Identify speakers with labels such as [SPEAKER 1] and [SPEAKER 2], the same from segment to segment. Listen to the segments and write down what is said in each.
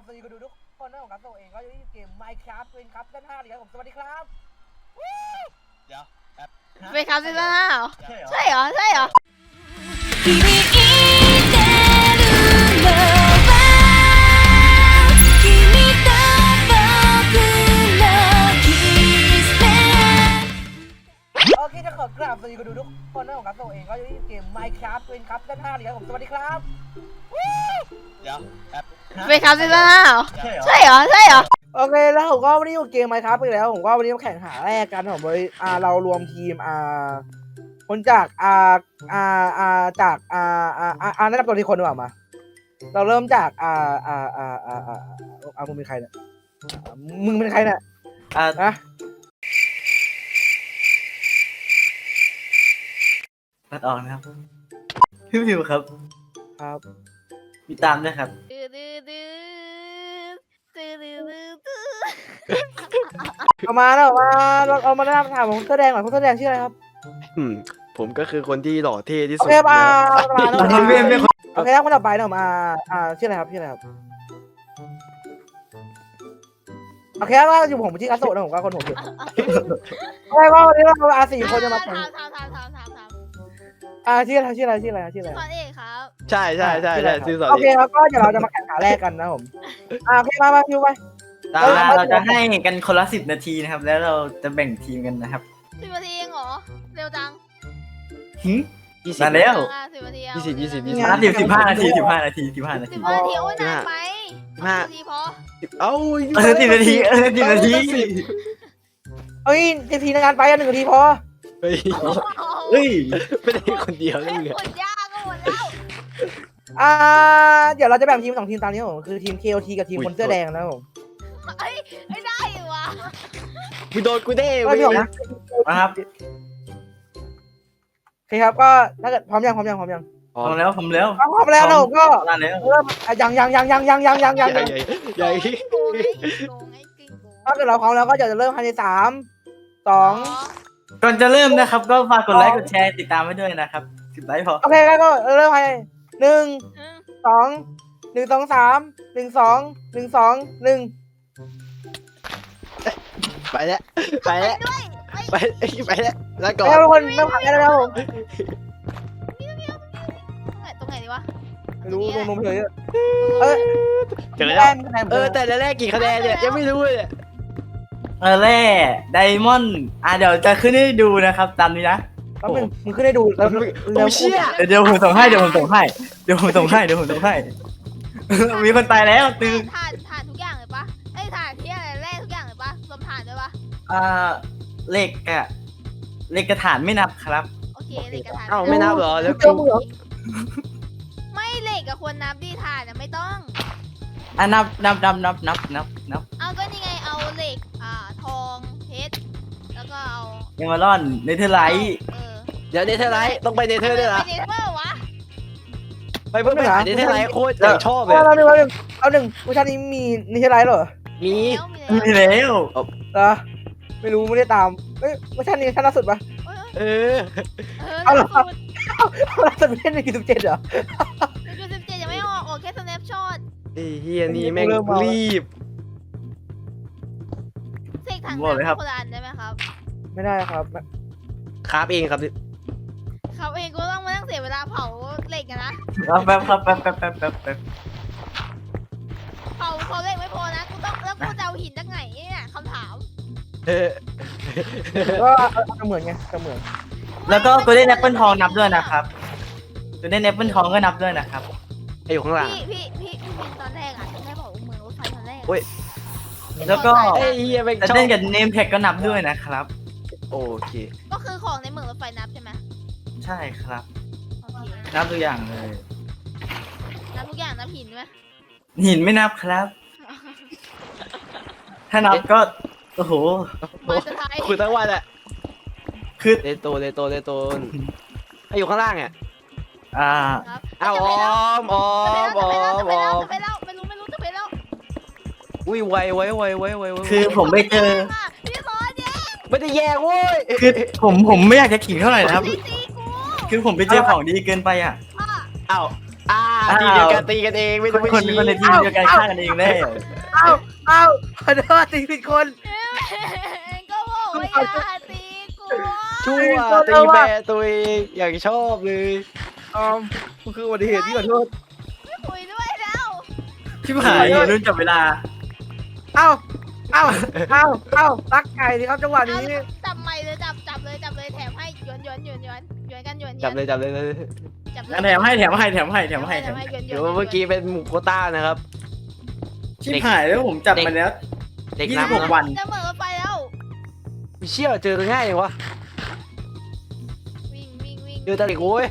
[SPEAKER 1] สวัสดีคุณดูทุกคนนะผมครับตัวเองก็อยู่ที่เกม Minecraft เป็นครับด้าน5เลยครับผมสวัสดีครับ
[SPEAKER 2] เดี๋ยวแอป
[SPEAKER 3] เป็นครับซีซั่น5เหรอ
[SPEAKER 2] ใช่เหรอ
[SPEAKER 3] ใช่เหรอ
[SPEAKER 4] 君言ってるのは君と僕のキスで
[SPEAKER 1] โอเคจะขอกราบสวัสดีคุณดูทุกคนนะผมครับตัวเองก็อยู่ที่เกม Minecraft เป็นครับด้าน5เลยครับผมสวัสดีครับ
[SPEAKER 2] เดี๋ยวแอป
[SPEAKER 3] เป็นครับซีซั่น5เหรอ
[SPEAKER 2] ใช่เหรอ
[SPEAKER 3] ใช่เหรอ
[SPEAKER 1] โอเคแล้วผมก็วันนี้อยู่เกม Minecraft ไปแล้วผมก็วันนี้มาแข่งหาแรกกันผมโดยเรารวมทีมคนจากจากแนะนำตัวทีคนดีกว่ามาเราเริ่มจากมึงเป็นใครเนี่ยมึงเป็นใครเนี่ยนะ
[SPEAKER 5] ตัดออกนะครับพี่พิวครับ
[SPEAKER 1] ครับ
[SPEAKER 5] มีตามด้วยครับ
[SPEAKER 3] ดื้อดื้อดื้อดื้อดื้อดื้อดื้อ
[SPEAKER 1] เอามาแล้วเอามาหน้าถามของเสื้อแดงหน่อยเสื้อแดงชื่ออะไรครับ
[SPEAKER 6] ผมก็คือคนที่หล่อเท่ที่
[SPEAKER 1] โอ
[SPEAKER 6] สุด
[SPEAKER 1] เคมา
[SPEAKER 5] คนเวียนไม่คน
[SPEAKER 1] โอเคครับคนต่อไปเนาะมาชื่ออะไรครับโอเคว่าอยู่ผมชื่อคัสโตะนะผมก็คนผมอยู่โอเคว่าวันนี้เรา4คนจะมาแข่ง
[SPEAKER 3] ถาม
[SPEAKER 1] ชื่ออะไร
[SPEAKER 3] สอนเอกครับ
[SPEAKER 6] ใช่ซื้อสอน
[SPEAKER 1] โอเค
[SPEAKER 6] เอง
[SPEAKER 1] ครับก็เดี๋ยวเราจะมาแข่งขาแรกกันนะผมโอเคมาคิวไป
[SPEAKER 5] เราจะให้กันคนละ10 นาทีนะครับ แล้วเราจะแบ่งทีมกันนะครับ
[SPEAKER 3] 10 นาทีเองเหรอเร็วจัง
[SPEAKER 5] หึ
[SPEAKER 6] 20
[SPEAKER 5] มาแล้ว
[SPEAKER 3] 10 นาที
[SPEAKER 5] 15 นาที15 นาที
[SPEAKER 3] 15 นาทีโอ้ยนานไป10 นาทีพอ
[SPEAKER 6] เอ้า
[SPEAKER 5] 10 นาที10 นาที
[SPEAKER 1] เอ้ยทีในงานไป1 นาทีพอ
[SPEAKER 6] เฮ้ย
[SPEAKER 5] เฮ้ย
[SPEAKER 6] ไม่ได้คนเดียว
[SPEAKER 3] เล่
[SPEAKER 6] เลย
[SPEAKER 3] น
[SPEAKER 6] เหรอ
[SPEAKER 3] คนยากก็หมดแล้ว
[SPEAKER 1] เดี๋ยวเราจะแบ่งทีม2 ทีมตามนี้ผมคือทีม KOT กับทีมคนเสื้อแดงนะผม
[SPEAKER 3] ไม่ได้อยู่ว่ะ
[SPEAKER 6] กูโดนกูเด้
[SPEAKER 1] ก็พี่บอกนะ
[SPEAKER 5] นะครับ
[SPEAKER 1] โอเคครับก็ถ้าเกิดพร้อมยัง
[SPEAKER 5] ผมแล้ว
[SPEAKER 1] พร้อมแล้วนะผมก็
[SPEAKER 5] มาแล้ว
[SPEAKER 1] เริ่มยัง
[SPEAKER 6] ใหญ่
[SPEAKER 3] โกงไอ้กิ้งโกง
[SPEAKER 1] ถ้าเกิดเราพร้อมแล้วก็จะเริ่มภายใน3 2
[SPEAKER 5] ก่อนจะเริ่มนะครับ ก็ฝากกดไลค์กดแชร์ติดตามไว้ด้วยนะครับ10 ไลค์พอ
[SPEAKER 1] โอเคก็เริ่มภายใน1 2 1 2 3 1 2 1 2 1
[SPEAKER 6] ไปแล้วแล้วก่อน
[SPEAKER 1] แล้วทุกคนเริ่มขันกันแล้วผม
[SPEAKER 3] ตรงไหนดีวะ
[SPEAKER 1] ไม่รู้ลงเลย
[SPEAKER 6] เจอ
[SPEAKER 1] แร
[SPEAKER 6] แล้ว
[SPEAKER 1] กคะแนน
[SPEAKER 6] แต่แรกกี่คะแนนเนี่ยยังไม่รู้เลย
[SPEAKER 5] แร่ไดมอนด์เดี๋ยวจะขึ้นให้ดูนะครับตามนี้นะ
[SPEAKER 1] แป๊บนึงมึงขึ้นให้ดูแล้ว
[SPEAKER 6] โอ้เชี่ย
[SPEAKER 5] เดี๋ยวผมส่งให้มีคนตายแล้วตึง
[SPEAKER 3] ถ่านทุกอย่างเลยปะไอ้ถ่านที่อะไรแร่ทุกอย่างเลยปะรวมถ่านด้วยปะ
[SPEAKER 5] เหล็กกระถานไม่นับครับ
[SPEAKER 3] โอเคเหล็กกับถ่าน
[SPEAKER 6] เอ้าไม่นับเหรอแล้ว
[SPEAKER 1] เจอมึงเหรอ
[SPEAKER 3] ไม่เหล็กกับควรนับดีถ่านไม่ต้อง
[SPEAKER 5] นับ
[SPEAKER 3] เอาก็นี่ไงเอาเหล็กทองเพชรแล้วก็เอา
[SPEAKER 5] เอมเมอรอนเนเธอร์ไลท์
[SPEAKER 6] เดี๋ยวเนเธอร์ไลท์ต้องไปเนเธอร์ด้วยนะ
[SPEAKER 3] ไปเนเธอร์วะ
[SPEAKER 6] ไปเพิ่งไปหาเนเธอร์ไลท์โคตรอยากชอบเลย
[SPEAKER 1] เอาหนึ่งเวอร์ชันนี้มีนี่ใช่ไรเหรอ
[SPEAKER 6] มี
[SPEAKER 5] มีแล้ว
[SPEAKER 1] เหรอไม่รู้ไม่ได้ตามเอ้ยเวอร์ชันนี้ชั้นล่าสุดปะ
[SPEAKER 6] เออ
[SPEAKER 1] เอาเหรอ
[SPEAKER 3] สุด
[SPEAKER 1] ล่าสุดไม่ใช่ใน17เหรอ
[SPEAKER 3] 17ยังไม่ออกแค่สแนปช็อต
[SPEAKER 6] ไอ้เฮียนี่แม่งรีบ
[SPEAKER 3] เสกถังน้ำคนละอันได้ไหมครับ
[SPEAKER 1] ไม่ได้ครับ
[SPEAKER 6] ครับเองครับ
[SPEAKER 3] เขาเองก็ต้องมานั่งเสียเวลาเผาเหล็กกันนะ
[SPEAKER 5] แป๊บ
[SPEAKER 3] เผาเหล็กไม่พอนะกูต้องแล้วกูจะเอาหินจากไหนเนี่ยคำถาม
[SPEAKER 6] เออ
[SPEAKER 1] ก็เหมือนไงเหมือน
[SPEAKER 5] แล้วก็โกลเด้นแอปเปิลทองนับด้วยนะครับโกลเด้นแอปเปิลทองก็นับด้วยนะครับ
[SPEAKER 6] ไออยู่ข้างหลัง
[SPEAKER 3] พี่บินตอนแรกที่แม่บอกเมืองรถไฟตอนแรก
[SPEAKER 5] แล้วก็
[SPEAKER 6] ไอ้เฮียแม่ง
[SPEAKER 5] แต่
[SPEAKER 6] ชอบ
[SPEAKER 5] เล่นกับเนมแท็กก็นับด้วยนะครับ
[SPEAKER 6] โอเค
[SPEAKER 3] ก็คือของในเมืองรถไฟนับใช่ไหม
[SPEAKER 5] ใช่ครับ
[SPEAKER 3] โอเค
[SPEAKER 5] นับตัวอย่างเลย
[SPEAKER 3] นับทุกอย่างนับหินไหม
[SPEAKER 5] หินไม่นับครับ ถ้านับก็โอ้โห
[SPEAKER 3] มาจะไทย
[SPEAKER 6] คุยทั้งวันแหละ
[SPEAKER 5] คือ
[SPEAKER 6] เลโตไออยู่ข้างล่างเนี่ย
[SPEAKER 3] ครับ
[SPEAKER 6] อ้าวออม
[SPEAKER 3] จะไปแล้วไม่รู้จะไปแล้ว
[SPEAKER 6] อุ้ยไว
[SPEAKER 5] คือผมไปเจอ
[SPEAKER 3] พี่สอนเนี่ย
[SPEAKER 6] ไม่ได้แย่เว้ย
[SPEAKER 5] คือผมไม่อยากจะขิงเท่าไหร่นะครับ
[SPEAKER 3] พี่ตีกู
[SPEAKER 5] คือผมไปเจอของดีเกินไปอ่ะ
[SPEAKER 6] อ้าวทีมเดียวกันตีกันเองไม่ต้องไป
[SPEAKER 5] คน
[SPEAKER 6] ชี้
[SPEAKER 5] คนในทีมเดียวกันฆ่ากันเองแน่
[SPEAKER 1] เอ้าเอ้าขอโทษตีผิดคน
[SPEAKER 3] ก็บอกว่าอย่าตีกู
[SPEAKER 6] ชั่วตีแม่ตัวเองอย่างชอบเลย
[SPEAKER 1] มันคืออุบัติเหตุที่ขอโทษ
[SPEAKER 3] ไม่คุยด้วยแล้ว
[SPEAKER 5] ชิบหายอยู่รุ่นจับเวลา
[SPEAKER 1] เอ้าตักไก่สิครับจังหวะนี้
[SPEAKER 3] จับใหม่เลยจับเลยแถมให้หยวนกันหยวน
[SPEAKER 6] จับเลย
[SPEAKER 3] จับเลย
[SPEAKER 5] งั้นแถมให้
[SPEAKER 3] หยวน
[SPEAKER 6] เดี๋ยวเมื่อกี้เป็นหมูโคต้านะครับ
[SPEAKER 5] ชิบหายแล้วผมจับมาแล้ว
[SPEAKER 6] เด็ก
[SPEAKER 5] 26
[SPEAKER 6] น้ำ
[SPEAKER 5] วัน
[SPEAKER 3] จะเหมือนไปแล้ว
[SPEAKER 6] เชี่ยเจอง่ายอย่างวะ
[SPEAKER 3] วิ่ง
[SPEAKER 6] เจอตะลิกโว้ย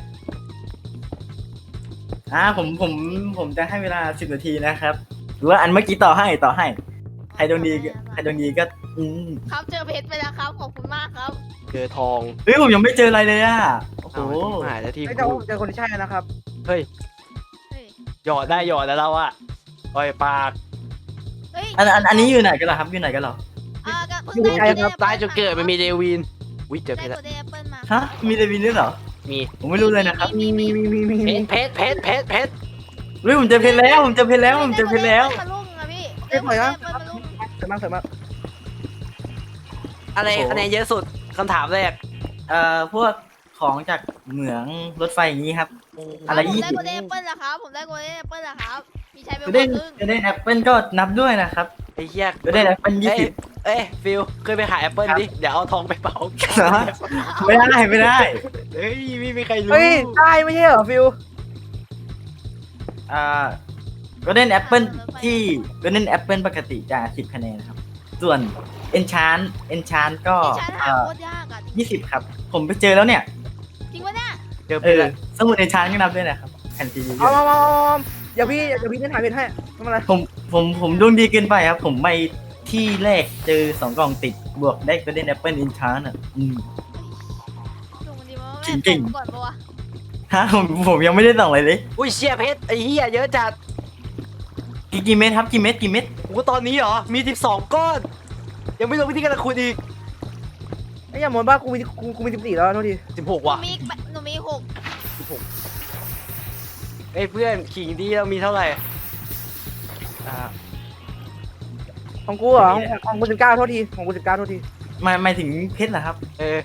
[SPEAKER 5] ผมจะให้เวลา10 นาทีนะครับ หรือว่าอันเมื่อกี้ต่อให้ใครโดนดีก็
[SPEAKER 3] ครับเจอเพชรไปแล้วครับขอบคุณมากครับ
[SPEAKER 6] เจอทอง
[SPEAKER 5] เฮ้ยผมยังไม่เจออะไรเลยอ่ะโอ้โห
[SPEAKER 6] หายแล้วทีม
[SPEAKER 1] ไม่เจอคนที่ใช่นะครับ
[SPEAKER 6] เฮ้ย
[SPEAKER 3] เฮ้ย
[SPEAKER 6] หยอดได้หยอดแล้วเราอะปล่อยปาก
[SPEAKER 3] เฮ้ย
[SPEAKER 5] อันนี้อยู่ไหนกันเหรอครับอยู่ไหนกันเหรอ
[SPEAKER 3] ก็เพิ่งได้
[SPEAKER 6] ใต้จุดเกิดมันมีเดวินวิเจอเพ
[SPEAKER 3] ได้
[SPEAKER 6] ชร
[SPEAKER 3] โกลเด้นแอปเปิลมา
[SPEAKER 5] ฮะมีเดวินด้วยเหรอ
[SPEAKER 6] มี
[SPEAKER 5] ผมไม่รู้เลยนะครับ
[SPEAKER 1] มี
[SPEAKER 6] เพชร
[SPEAKER 5] เฮ้ยผมเจอเพชรแล้ว
[SPEAKER 3] มาลุ่งอะพี่
[SPEAKER 1] เรียบร้อยแล้ว
[SPEAKER 3] มาลุ่ง
[SPEAKER 1] เสร็จมาก
[SPEAKER 6] อะไรคะแนนเยอะสุดคำถามแรก
[SPEAKER 5] พวกของจากเหมืองรถไฟอย่างนี้ครับ อะไร
[SPEAKER 3] ผม
[SPEAKER 5] ยี่
[SPEAKER 3] ได้
[SPEAKER 5] สิบ
[SPEAKER 3] โกลเด้นแอปเปิลแล้วครับผมได้โกลเด้นแอปเปิลแล้วครับมีใช้ไปหม
[SPEAKER 5] ก็
[SPEAKER 3] ด
[SPEAKER 5] ได้
[SPEAKER 3] ครึ่ง
[SPEAKER 5] ก็ได้แอปเปิลก็นับด้วยนะครับ
[SPEAKER 6] ไอ้เหี้ย
[SPEAKER 5] ก็ได้แอปเปิล20
[SPEAKER 6] เอ้ยฟิลเคยไปหาแอปเปิลดิเดี๋ยวเอาทองไปเป่า
[SPEAKER 5] ไม่ได้
[SPEAKER 6] เฮ้ยไม่มีใครรู้
[SPEAKER 1] เฮ้ยได้ไม่ใช่เหรอฟิว
[SPEAKER 5] ก็ได้แอปเปิลที่ก็ได้แอปเปิลปกติจะ10 คะแนนนะครับ ส่วนเอนชานก็
[SPEAKER 3] ที่ฉันหาโคตรยากอะ
[SPEAKER 5] 20 ครับ ผมไปเจอแล้วเนี่ย
[SPEAKER 3] จริงปะเนี่ย
[SPEAKER 6] เจอเพชรแล้ว
[SPEAKER 5] สมุดเอนชานก็นับด้วยนะครับแผ่นซีดี
[SPEAKER 1] เอาเดี๋ยวพี่เล่นหาเพชรให้ทำอะไร
[SPEAKER 5] ผมดวงดีเกินไปครับ ผมไปที่แรกเจอ2 กล่องติดบวกได้ก็ได้แอปเปิลเอนชานอ่ะ
[SPEAKER 3] ดูมันดีมั้ย
[SPEAKER 5] เก่ง
[SPEAKER 3] ก่อนปะวะ
[SPEAKER 5] ฮะผมยังไม่ได้ส่องอะไรเลย
[SPEAKER 6] อุ้ยเชี่ยเพชรไอ้เหี้ยเยอะจัด
[SPEAKER 5] กี่เม็ดครับกี่เม็ด
[SPEAKER 6] โอ้ตอนนี้เหรอมี12ก้อนยังไม่รู้วิธีการขุดอีก
[SPEAKER 1] ไอ้ยอย่ามองบ้ากูมี14แล้วโทษที
[SPEAKER 6] 16ว่ะ
[SPEAKER 3] หนูมี6
[SPEAKER 6] เอ้ยเพื่อนขิงดีเรามีเท่าไหร่อ่า
[SPEAKER 1] ของกูเหรอของกู19โทษทีของกู19โทษที
[SPEAKER 5] หมายถึงเพชรเหรอครับ
[SPEAKER 6] เออ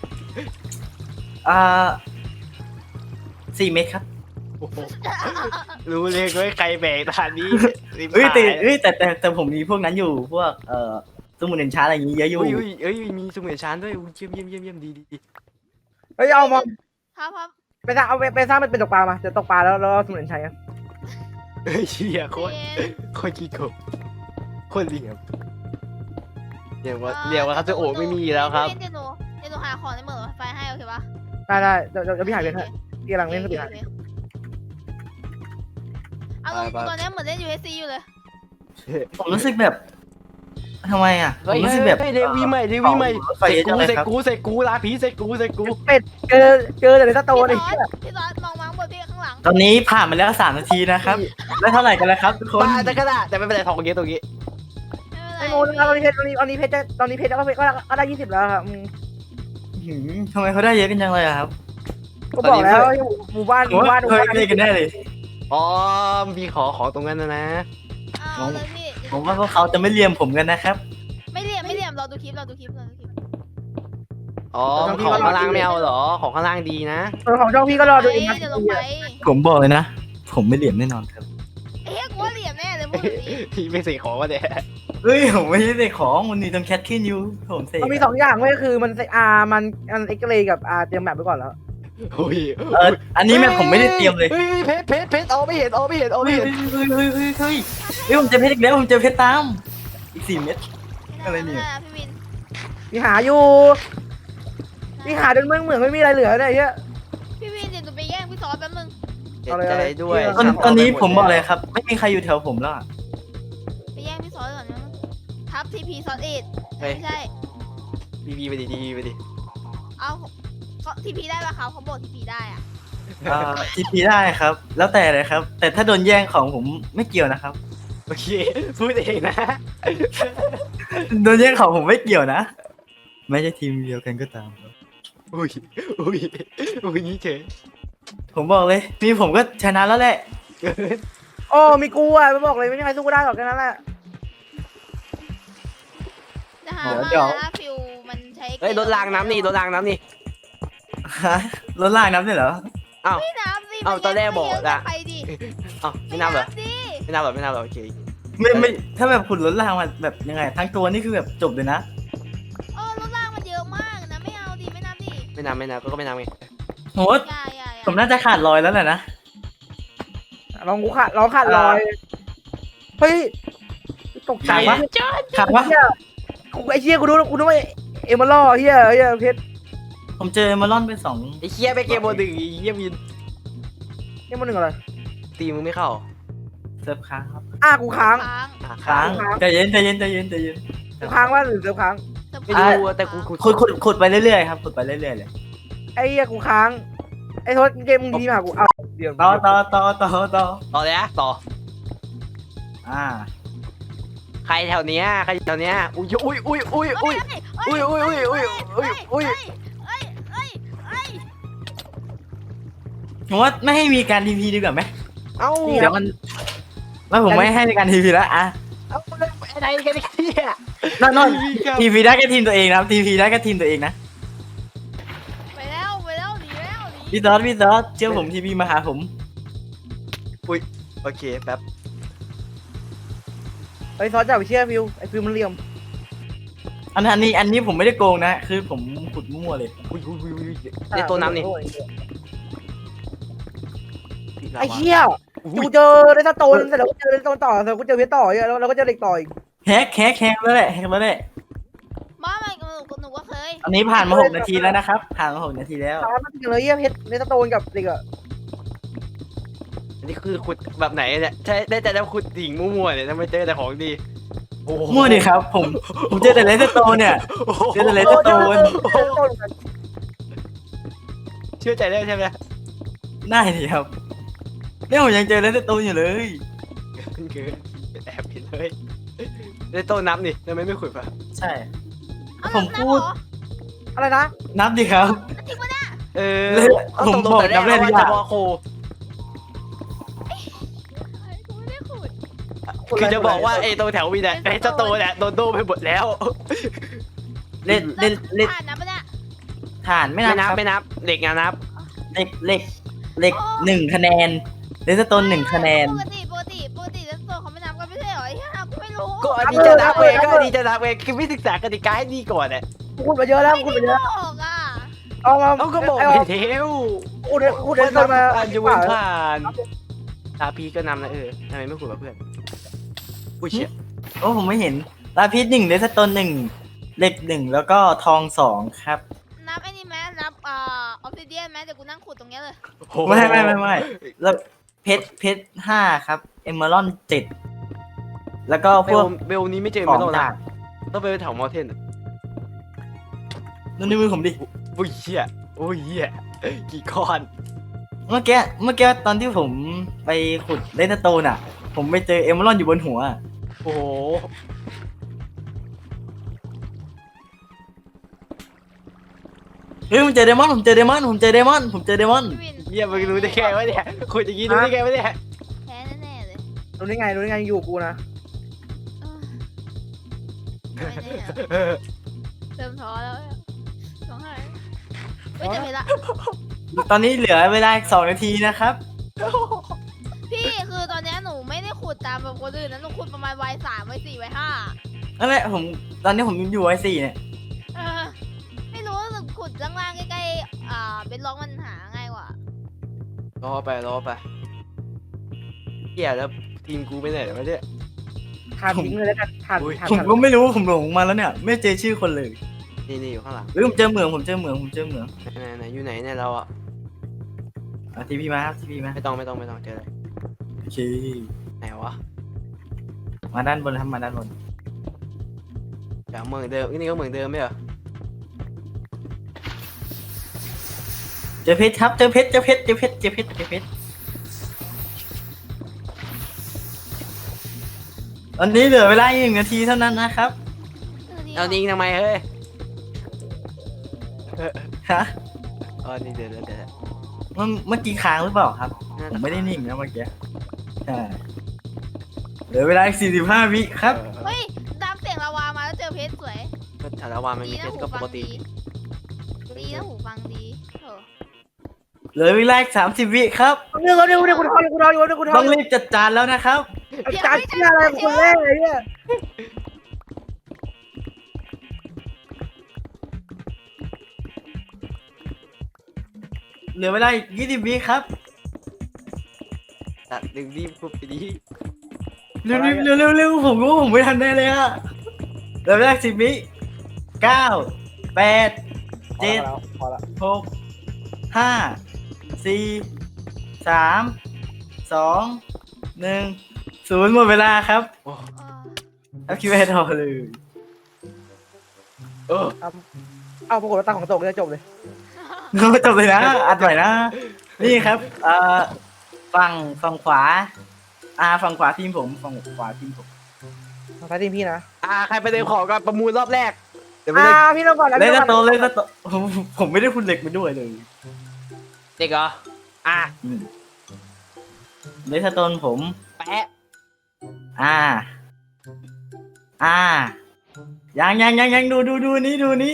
[SPEAKER 5] 4 เม็ดครับ
[SPEAKER 6] โอ้โหรู้เลยว่าใครแบกตานนี้
[SPEAKER 5] แต่ผมมีพวกนั้นอยู่พวกสมุนเอนชานอะไรอย่างงี้เยอะอยู่
[SPEAKER 6] อุ้ยมีสมุนชานด้วยเยี่ยมดี
[SPEAKER 1] เฮ้ยเอามา
[SPEAKER 3] ครับ
[SPEAKER 1] ไปสร้างมันเป็นตกปลามาจะตกปลาแล้วสมุนไพรกัน
[SPEAKER 6] เฮ้ยเชี่ยโคตรขี้โกงโคตรเหลี่ยมเรียกว่าครับจะโอ้ไม่มีแล้วครับ
[SPEAKER 3] เดี๋ยวหนูหาของในเหมืองไฟให้โอเคปะ
[SPEAKER 1] ได้เดี๋ยวพี่หายเพชรให้พี่กำลังเล่นสปีดหาย
[SPEAKER 3] เอาตอนนี้เหมือนเล่น USC อยู่เลย
[SPEAKER 5] ผมรู้สึกแบบทำไมอ่ะผมรู้สึกแบบ
[SPEAKER 6] เดวีใหม่เสกกูลาผีเสกกู
[SPEAKER 1] เป็ดเจอแต่ในสโตนไอ้
[SPEAKER 3] พี่ซอสมองมังบนพี่ข้างหลัง
[SPEAKER 5] ตอนนี้ผ่านมาแล้ว3 นาทีนะครับ แล้วเท่าไหร่กันแล้วครับทุกคน
[SPEAKER 6] บ้าแต่ก็ได้แต่ไม่เป็นไรทองเยอะตรงนี้
[SPEAKER 1] ไอ้โมตอนนี้เพชรก็ได้20แล้วครับ
[SPEAKER 5] ทำไมเขาได้เยอะกันจังเลยอะครับ
[SPEAKER 1] ก็บอกแล้วหมู่บ้าน
[SPEAKER 5] เคยได้กันแน่เลย
[SPEAKER 6] อ๋อมีขอตรงนั้นนะ
[SPEAKER 3] เอาเลยพี่
[SPEAKER 5] ผมว่าพวกเขาจะไม่เลียมผมกันนะครับ
[SPEAKER 3] ไม่เหลี่ยมเราดูคลิป
[SPEAKER 6] อ๋อของข้างล่างไม่เอาเหรอของข้างล่างดีนะ
[SPEAKER 1] ของช่องพี่ก็รอดูเอง
[SPEAKER 3] เดี๋ยวลงไป
[SPEAKER 5] ผมบอกเลยนะ ผมไม่เหลี่ยมแน่นอนครับ
[SPEAKER 3] เอ๊ะกูว่าเหลี่ยมแน่เลยพูดดิ
[SPEAKER 6] พี่ไม่เสกของวะเนี่ย
[SPEAKER 5] เฮ้ยผมไม่ได้ของมันนี่ต้องแคทขึ้นอยู่ผมเสก
[SPEAKER 1] มันมี2อย่างเว้ยคือมันมันเอ็กซ์เรย์กับเตรียมแบบไปก่อนแล้ว
[SPEAKER 6] โอ้ย
[SPEAKER 5] อันนี้แม่ผมไม่ได้เตรียมเลย
[SPEAKER 6] เฮ้ยเพชรเอาไม่เห็น
[SPEAKER 5] เฮ้ยผมเจอเพชรอีกแล้วผมเจอเพชรตามอีก4 เม็ด อะไรเนี่ย
[SPEAKER 3] พี่วิน
[SPEAKER 1] พี่หาอยู่พี่หาจนเหมือนไม่มีอะไรเหลือเลยเฮ้ย
[SPEAKER 3] พี่วินเดี๋ยวหนูไปแย่งพี่ซอสแป๊บนึง
[SPEAKER 6] เจ็บใจด้วย
[SPEAKER 5] ตอนนี้ผมบอกเลยครับ ไม่มีใครอยู่แถวผมแล้ว
[SPEAKER 3] ไปแย่งพี่ซอสก่อนนะทับทีพีซอสเอ็ดไม่ใช่
[SPEAKER 6] ดีไปดิ
[SPEAKER 3] เอาเขาทีพีได้ปะครับเขาบอกทีพีได้อะ
[SPEAKER 5] ทีพีได้ครับ แล้วแต่เลยครับ แต่ถ้าโดนแย่งของผมไม่เกี่ยวนะครับ
[SPEAKER 6] โอเคพูดเองนะ
[SPEAKER 5] โดนแย่งของผมไม่เกี่ยวนะไม่ใช่ทีมเดียวกันก็ตามครับ
[SPEAKER 6] อุ้ยนี่เฉย
[SPEAKER 5] ผมบอกเลยนี่ผมก็ชนะแล้วแหละ
[SPEAKER 6] เกิน
[SPEAKER 1] โอ้มีกูอ่ะไม่บอกเลยไม่มีใครสู้กูได้หรอกแค่นั้นแหละ
[SPEAKER 3] จะหา
[SPEAKER 5] เดี๋ยว
[SPEAKER 3] มาฟิวมันใช้
[SPEAKER 6] เฮ้ยรถรางน้ำนี่รถรางน้ำนี่
[SPEAKER 5] ฮะรถลากน้ำด้วยเหรอ
[SPEAKER 6] อ้าว
[SPEAKER 3] ไม่น้ำสิ
[SPEAKER 6] เอาตอนแรกบอก
[SPEAKER 3] อะ
[SPEAKER 6] อะ
[SPEAKER 3] ไปดิ
[SPEAKER 6] อ้าวไม่นับเหรอ
[SPEAKER 3] ดิ
[SPEAKER 6] ไม่นับเหรอไม่นับเหรอโอเค
[SPEAKER 5] ไม่ถ้าแบบขุดรถลากมาแบบยังไง ทั้งตัวนี่คือแบบจบเลยนะ
[SPEAKER 3] รถลากมันเยอะมากนะไม่เอาดิไม่นับดิ
[SPEAKER 6] ไม่นับไม่นับก็ไม่นับไง
[SPEAKER 5] โห
[SPEAKER 3] อย่า
[SPEAKER 5] ผมน่าจะขาดรอยแล้วแหละนะ
[SPEAKER 1] ลองกูขาดลองขาดลอยเฮ้ยตกใจ
[SPEAKER 5] ขาดวะ ขาดวะ
[SPEAKER 1] เฮียกูไอ้เชี่ยกูดูว่าเอ็มมาล่อเฮียเพชร
[SPEAKER 5] ผมเจอเอมเมอรอนเป็นสอง
[SPEAKER 6] ไอ้เคียไปเกมโมดึงไอ้เหี้ยวิน
[SPEAKER 1] นี่มันหนึ่งอะไร
[SPEAKER 6] ตีมึงไม่เข้า
[SPEAKER 5] เซิร์ฟค้างครับ
[SPEAKER 1] กูค้าง
[SPEAKER 3] ค้าง
[SPEAKER 6] อ่ะ
[SPEAKER 5] ค้าง
[SPEAKER 1] ค้าง
[SPEAKER 5] ใจเย็นใจเย็นใจเย็นใจเย็น
[SPEAKER 1] กูค้างว่าหรือเซิร์ฟค้าง
[SPEAKER 6] ไม่รู้อะแต่กู
[SPEAKER 5] ขุดไปเรื่อยๆครับขุดไปเรื่อยๆเลย
[SPEAKER 1] ไอ้เหี้ยกูค้างไอ้โทษเกมมึงทีมาหากูเอาเดี๋ยว
[SPEAKER 5] ต่อ
[SPEAKER 6] ต่อเลยนะต่อ
[SPEAKER 5] อ่า
[SPEAKER 6] ใครแถวเนี้ยใครแถวเนี้ยอุ้ยอุ้ยอุ้ยอุ้ยอุ้ย อุ้ยอุ้ยอุ้ยอุ้ยอุ้ยอุ้ย
[SPEAKER 5] ผมว่าไม่ให้มีการทีพีดีกว่าไหม
[SPEAKER 6] เอ้า
[SPEAKER 5] เดี๋ยวมันแล้วผมไม่ให้ในการทีพีแล้วอ่ะ
[SPEAKER 6] เอ้าอะไรกันเนี่ย
[SPEAKER 5] นอนทีพีได้แค่ทีมตัวเองนะครับทีพีได้แค่ทีมตัวเองนะ
[SPEAKER 3] ไปแล้วหนีแล้วหนี
[SPEAKER 5] พี่ซอสเชื่อผมทีพีมาหาผม
[SPEAKER 6] โอเคแป๊บ
[SPEAKER 1] ไอ้ซอสจับไปเชี่ยฟิวไอ้ฟิวมันเหลี่ยม
[SPEAKER 5] อันนี้ผมไม่ได้โกงนะคือผมขุดมั่วเลย
[SPEAKER 6] อุ้ยอุ้ยอุ้ยอุ้ยเล่นตัวน้ำนี่
[SPEAKER 1] ไอ้เชี่ยกูเจอเรสโตนเสร็จแล้วกูเจอเรสโตนต่อเสร็จกูเจอเพชรต่อแล้วเราก็เจอเหล็กต่ออีก
[SPEAKER 5] แฮกแล้วแหละ
[SPEAKER 3] มาหนูก็เคย
[SPEAKER 5] อันนี้ผ่านมา6 นาทีแล้วนะครับผ่านมา6 นาทีแล้ว
[SPEAKER 1] ตามมาถึงเลยเหี้ยเพชรเรสโตนกับเหล็กอะ
[SPEAKER 6] อันนี้คือขุดแบบไหนเนี่ยใช่ได้แต่แล้วขุดดิ่งมั่วๆเนี่ยทำไมเจอแต่ของดีโอ้โห
[SPEAKER 5] มั่วดิครับผมเจอแต่เลสโตนเนี่ย เจอแต่เลสโตน
[SPEAKER 6] เชื่อใจได้ใช่ไหม
[SPEAKER 5] ได้ดิครับเนี่ยผมยังเจอเลสโตนอยู่เลย
[SPEAKER 6] คือแอบผิดเลยได้โต้นับนี่ทำไมไม่ขุดปะ
[SPEAKER 5] ใช่
[SPEAKER 3] เอา
[SPEAKER 5] ผมพูด
[SPEAKER 1] อะไรนะ
[SPEAKER 5] นับดิครับ
[SPEAKER 3] จริงปะเนี่ย
[SPEAKER 6] เออ
[SPEAKER 5] ผมบอกนับเลข
[SPEAKER 6] ว่า
[SPEAKER 5] ทุกอ
[SPEAKER 6] จะ
[SPEAKER 5] ย่าง
[SPEAKER 6] บอกโค
[SPEAKER 3] กูไม่ได้ขุด
[SPEAKER 6] คือจะบอกว่าไอ้ตรงแถววีเนี่ยไอ้เจ้าโตเนี่ยโดนโดไปหมดแล้ว
[SPEAKER 5] เล่น
[SPEAKER 3] ผ่านนะปะเนี่ย
[SPEAKER 5] ฐานไม่
[SPEAKER 6] ไม่
[SPEAKER 5] นั
[SPEAKER 6] นั
[SPEAKER 5] บบ
[SPEAKER 6] ไม่นับเด็กงานนับ
[SPEAKER 5] เหล็ก1 คะแนนเลสโตน1 คะแนน
[SPEAKER 3] ปกติแล้วตัวเขาไม่นับกันไม่ใช่เหรอไอ้ห่ากูไม่รู้
[SPEAKER 6] ก็อันนี้จะนับเองก็อันนี้จะนับเองคือไม่ศึกษากติกาให้ดีก่อนเนี่ย
[SPEAKER 1] กูขุดมาเยอะแล้วกูขุดมาเยอะ
[SPEAKER 3] ไม่บอกอ่ะ
[SPEAKER 1] เอามา
[SPEAKER 6] เขาก็บอก
[SPEAKER 1] ไอ้
[SPEAKER 6] ไปเทว
[SPEAKER 1] ขุดเรสโตนมา
[SPEAKER 6] อันจะเว้นผ่านตาพีก็นำนะทำไมไม่ขุดกับเพื่อนอุ้ยเชี่ย
[SPEAKER 5] โอ้ผมไม่เห็นลาพิษ1เลสโตน1เหล็ก1แล้วก็ทอง2ครับ
[SPEAKER 3] นับไอ้นี่ไหมนับออฟซิเดียนไหมเดี๋ยวกูนั่งขุดตรงเนี้ยเลย
[SPEAKER 5] ไม่แล้วเพชร5ครับเอมเมอรอน7แล้วก็พวก
[SPEAKER 6] เบลนี้ไม่เจอ
[SPEAKER 5] ขอ
[SPEAKER 6] ไม่
[SPEAKER 5] ง
[SPEAKER 6] ต้อง
[SPEAKER 5] ดา
[SPEAKER 6] นะ
[SPEAKER 5] บ
[SPEAKER 6] ต้องไปแถวมอเทน
[SPEAKER 5] นั่นในมือผมดิ
[SPEAKER 6] อุ้ยเชี่ยอุ้ยเหี้ยกี่ก้อน
[SPEAKER 5] เมื่อกี้ตอนที่ผมไปขุดเลสโตนอ่ะ ผมไปเจอเอมเมอรอนอยู่บนหัว
[SPEAKER 6] โอ้โห
[SPEAKER 5] เฮ้ยผมเจอเดมอน
[SPEAKER 3] พี่วิน
[SPEAKER 6] เยี่ยมึงรู้ได้ไงวะเนี่ยขุดอย่างงี้รู้ได้ไงวะเนี่ย
[SPEAKER 3] แพ้แน่ๆเลย
[SPEAKER 1] รู้ได้ไงอยู่กูนะ
[SPEAKER 3] ไม่แน่อะเริ่มท้อแล้วท้องหายไม่จะไม่ละ
[SPEAKER 5] ตอนนี้เหลือเวลาอีก2 นาทีนะครับ
[SPEAKER 3] พี่คือตอนเนี้ยหนูไม่ได้ขุดตามแบบคนอื่นนะหนูขุดประมาณวัย3วัย4วัย5
[SPEAKER 5] นั่นแหละตอนนี้ผมอยู่ไอ4เนี่ย
[SPEAKER 3] ไม่รู้สึกขุดล่างๆใกล้ๆเป็นล็อกมันหาง่ายกว่าร
[SPEAKER 6] อไปเหี้ยแล้วทีมกูไปไหนวะเนี่ย
[SPEAKER 1] ทานทิ้งเลยแล้วกันทาน
[SPEAKER 6] อุ้ย
[SPEAKER 1] ทาน
[SPEAKER 5] ผมก็ไม่รู้ผมหลงมาแล้วเนี่ย ไม่เจอชื่อคนเลย
[SPEAKER 6] นี่อยู่ข้างหลัง
[SPEAKER 5] เฮ้ยผมเจอเหมือง
[SPEAKER 6] ไหนอยู่ไหนเนี่ยเราอ่ะ
[SPEAKER 5] ทีพีมาครับทีพีมา
[SPEAKER 6] ไม่ต้องเจอเลย
[SPEAKER 5] โอเค
[SPEAKER 6] ไหนวะ
[SPEAKER 5] มาด้านบนครับมาด้านบน
[SPEAKER 6] เดี๋ยวเมืองเดิมนี่ก็เมืองเดิมไม่เหรอ
[SPEAKER 5] เจอเพชรครับเจอเพชรตอนนี้เหลือเวลาอีก1 นาทีเท่านั้นนะครับ
[SPEAKER 6] เอานิ่งทำไมเฮ้ย
[SPEAKER 5] ฮะ
[SPEAKER 6] อ๋อนี่เดี๋ยว
[SPEAKER 5] ไเมื่อกี้ค้างหรือเปล่าครับ ผมไม่ได้นิ่งนะเมื่อกี้ใช่เหลือเวลาอีก45 วิครับ
[SPEAKER 3] เฮ้ยตามเสียงลาวามาแล้วเจอเพชรสวย
[SPEAKER 6] ก็ชาละวามัน
[SPEAKER 3] ดี
[SPEAKER 6] มีเพ
[SPEAKER 3] นะ
[SPEAKER 6] ชร
[SPEAKER 3] หู
[SPEAKER 6] ก็ป
[SPEAKER 3] ฟัง
[SPEAKER 6] กติ
[SPEAKER 3] ดีดีนะหูฟังดีเออ
[SPEAKER 5] เหลือเวลาอีก30 วิครับ
[SPEAKER 1] เรื่องกูทอนอยู่กูท
[SPEAKER 5] ต้
[SPEAKER 1] อ
[SPEAKER 5] อน งรีบจัดจานแล้วนะครับ
[SPEAKER 1] จานเชี่ยอะไรคนแรกเลยเนี่ย
[SPEAKER 5] เหลือเวลาอีก20 วิครับ
[SPEAKER 6] ตัดดึงรีบพูดไปดี
[SPEAKER 5] เร็วๆเร็วๆผมรู้ผมไม่ทันได้เลยอะเหลือเวลา10 วิ9 8 7
[SPEAKER 1] พอละ
[SPEAKER 5] 6 5 4 3 2 1 0หมดเวลาครับ
[SPEAKER 3] เออ
[SPEAKER 5] เอาคิวให้ต่อเลย
[SPEAKER 1] เอาปรากฏว่าตั้งของตกจะจบเลย
[SPEAKER 5] จบเลยนะอัดหน่อยนะ นี่ครับฝั่งขวาฝั่งขวาทีมผมฝั่งขวาทีมผม
[SPEAKER 1] ทางซ้ายทีมพี่นะ
[SPEAKER 6] ใครไปเดินของก็ประมูลรอบแรกเดี๋ยวไปเลย
[SPEAKER 1] พี่ต้องก่อนแล้ว
[SPEAKER 5] เล่นสโตนเล่นสโตนผมไม่ได้คุณเหล็กไปด้วยเลย
[SPEAKER 6] เด็กเหรอ
[SPEAKER 5] เล่นสโตนผม
[SPEAKER 6] แปะ
[SPEAKER 5] ยังดูนี้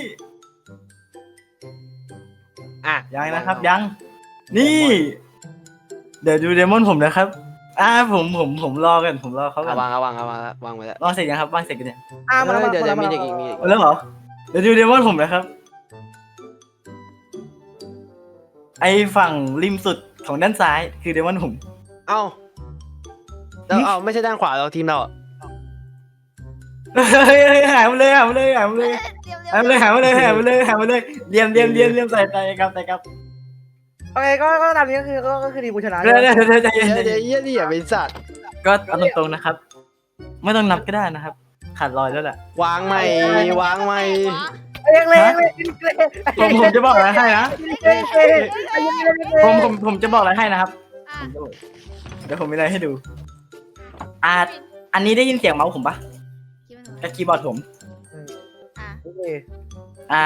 [SPEAKER 5] ยังนะครับยังนี่เดี๋ยวดูเดมอนผมนะครับผมรอกันผมรอเขากัน
[SPEAKER 6] วางไว้แล้ว
[SPEAKER 5] วางเสร็จยังครับวางเสร็จกันเนี่ย
[SPEAKER 1] มาแล้ว
[SPEAKER 6] เดี๋ยวมีเด็กอีกมี
[SPEAKER 5] เอาแล้วเหรอเดี๋ยวดูเดมอนผมนะครับไอฝั่งริมสุดของด้านซ้ายคือเดมอนผม
[SPEAKER 6] เอ้าแล้วไม่ใช่ด้านขวาเราทีมเรา
[SPEAKER 5] เฮ้ยหายมาเลย
[SPEAKER 3] เดี๋ยว
[SPEAKER 5] หายมาเลยเลี่ยมใส่ครับ
[SPEAKER 1] โอเคก็ตามนี้ก็คือทีมกูชนะ
[SPEAKER 5] เดี๋ยวใจเย็น
[SPEAKER 6] เดี๋ยวอย่าไปสัตว์
[SPEAKER 5] ก็เอาตรงๆนะครับ ไม่ต้องนับก็ได้นะครับ ขาดลอยแล้วแหละ
[SPEAKER 6] วางใหม่
[SPEAKER 1] เล็ก
[SPEAKER 5] ผมจะบอกอะไรให้นะ
[SPEAKER 1] ผ
[SPEAKER 5] ผมจะบอกอะไรให้นะครับ
[SPEAKER 3] อ่ะ
[SPEAKER 5] เดี๋ยวผมมีอะไรให้ดูอันนี้ได้ยินเสียงเมาส์ผมปะ
[SPEAKER 3] คิดว่าหนู
[SPEAKER 5] กับคีย์บอร์ดผม
[SPEAKER 3] อ่ะ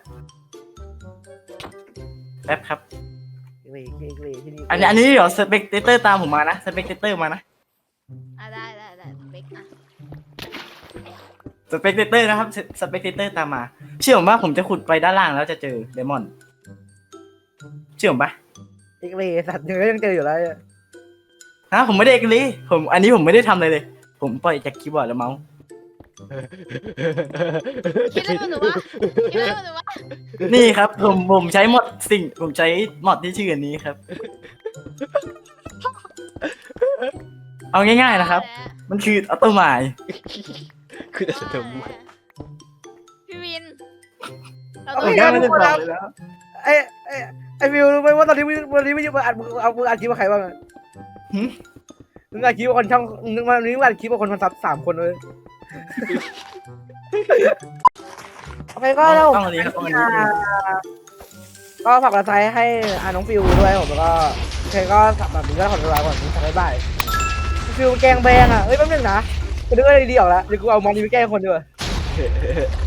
[SPEAKER 5] แป๊บครับ
[SPEAKER 1] ที่นี่
[SPEAKER 5] อันนี้เดี๋ยวสเปกเตอร์ตามผมมานะสเปกเตอร์มานะ
[SPEAKER 3] ได้เบคอ่ะ
[SPEAKER 5] สเปกเตอร์นะครับสเปกเตอร์ตามมาเชื่อผมว่าผมจะขุดไปด้านล่างแล้วจะเจอเดมอนเชื่อผมปะ
[SPEAKER 1] สัตว์ยังเจออยู่แล้ว
[SPEAKER 5] ผมไม่ได้เอกลีอันนี้ผมไม่ได้ทำเลย ผมปล่อยจากคีย์บอร์ดและเมาส์
[SPEAKER 3] คิดเรื่องหนูวะ
[SPEAKER 5] นี่ครับผมใช้หมดผมใช้หมดที่ชื่ออันนี้ครับ เอาง่ายๆนะครับ มันคือออโตไมล์
[SPEAKER 6] คือจะทำ
[SPEAKER 3] พี่วินเรา
[SPEAKER 5] ผ
[SPEAKER 3] ต้อง
[SPEAKER 5] มแค่ไม่ได้บอกเลยแล้ว
[SPEAKER 1] ไอ้ฟิวรู้ไหมว่าตอนนี้วันนี้ไม่อยู่อัดมืออัดคลิปกับใครบ้างมึงอัดคลิปกับคนช่องมึงอัดคลิปกับคนซับ3 คนเลยโอเคก็เรา
[SPEAKER 5] ต้องอันนี้ครับต้องอันนี้
[SPEAKER 1] ก็ฝากกระจายให้น้องฟิวด้วยผมแล้วก็โอเคก็แบบนี้ก็ขอตัวลาก่อนบ๊ายบายฟิวแกงแบงอ่ะเฮ้ยแป๊บนึงนะกูนึกว่าดีๆออกแล้วเดี๋ยวกูเอามันนี้ไปแกล้งคนด้วย